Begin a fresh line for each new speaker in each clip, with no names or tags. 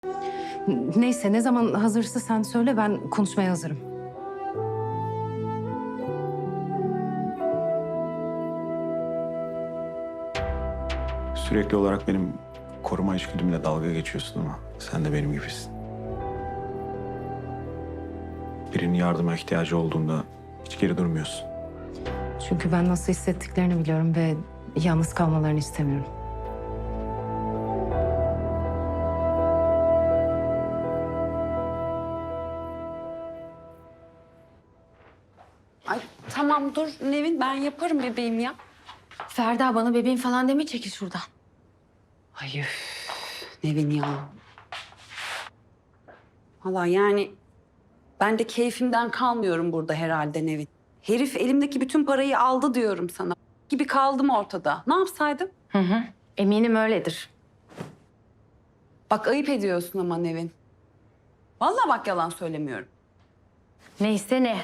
Neyse ne zaman hazırsa sen söyle, ben konuşmaya hazırım.
Sürekli olarak benim koruma içgüdümle dalga geçiyorsun ama sen de benim gibisin. Birinin yardıma ihtiyacı olduğunda hiç geri durmuyorsun.
Çünkü ben nasıl hissettiklerini biliyorum ve yalnız kalmalarını istemiyorum.
Ay tamam dur Nevin, ben yaparım bebeğim ya.
Ferda, bana bebeğim falan deme, çekil şuradan.
Ay üf, Nevin ya. Vallahi yani ben de keyfimden kalmıyorum burada herhalde Nevin. Herif elimdeki bütün parayı aldı diyorum sana. Gibi kaldım ortada. Ne yapsaydım?
Eminim öyledir.
Bak ayıp ediyorsun ama Nevin. Vallahi bak yalan söylemiyorum.
Neyse ne.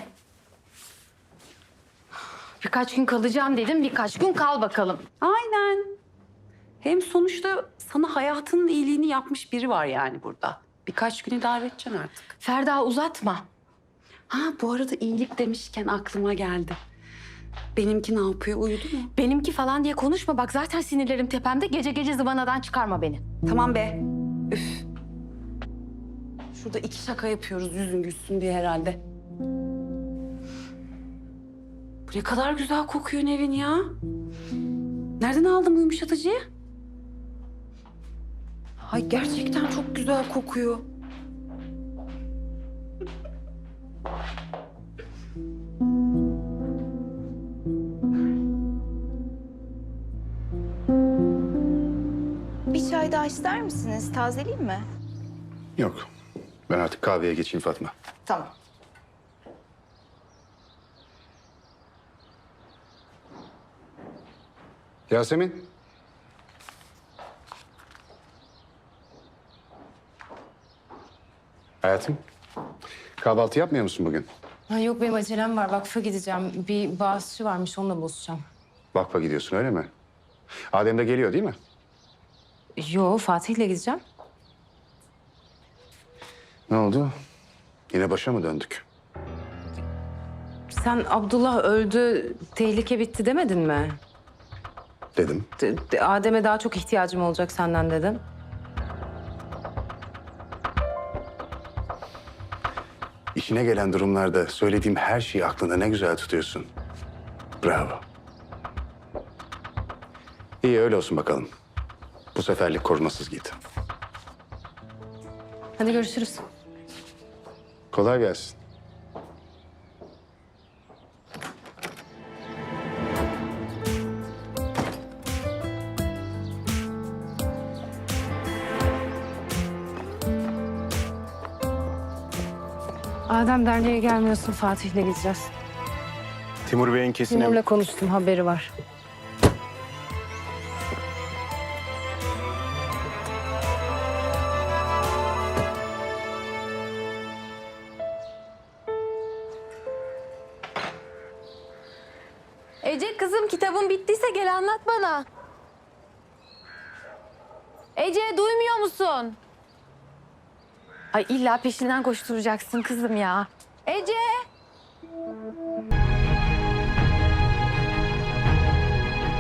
Birkaç gün kalacağım dedim, birkaç gün kal bakalım.
Aynen. Hem sonuçta sana hayatının iyiliğini yapmış biri var yani burada. Birkaç güne idare edeceksin artık.
Ferda, uzatma.
Ha bu arada iyilik demişken aklıma geldi. Benimki ne yapıyor? Uyudu mu?
Benimki falan diye konuşma. Bak zaten sinirlerim tepemde. Gece gece zıvanadan çıkarma beni.
Tamam be. Üf. Şurada iki şaka yapıyoruz yüzün gülsün diye herhalde. Bu ne kadar güzel kokuyor Nevin ya. Nereden aldın bu yumuşatıcıyı? Ay gerçekten çok güzel kokuyor.
Bir çay daha ister misiniz? Tazeleyeyim mi?
Yok. Ben artık kahveye geçeyim Fatma.
Tamam.
Yasemin. Hayatım. Kahvaltı yapmıyor musun bugün?
Ha, yok, benim acelem var. Vakfa gideceğim. Bir bağışçı varmış, onunla buluşacağım.
Vakfa gidiyorsun öyle mi? Adem de geliyor değil mi?
Yo, Fatih'le gideceğim.
Ne oldu? Yine başa mı döndük?
Sen Abdullah öldü, tehlike bitti demedin mi?
Dedim.
Adem'e daha çok ihtiyacım olacak senden dedin.
İşine gelen durumlarda söylediğim her şeyi aklında ne güzel tutuyorsun. Bravo. İyi öyle olsun bakalım. Bu seferlik korumasız git.
Hadi görüşürüz.
Kolay gelsin.
Adem, derneğe gelmiyorsun, Fatih'le gideceğiz.
Timur Bey'in kesin...
Timur'la konuştum, haberi var.
Ece kızım, kitabın bittiyse gel anlat bana. Ece, duymuyor musun? Ay illa peşinden koşturacaksın kızım ya. Ece!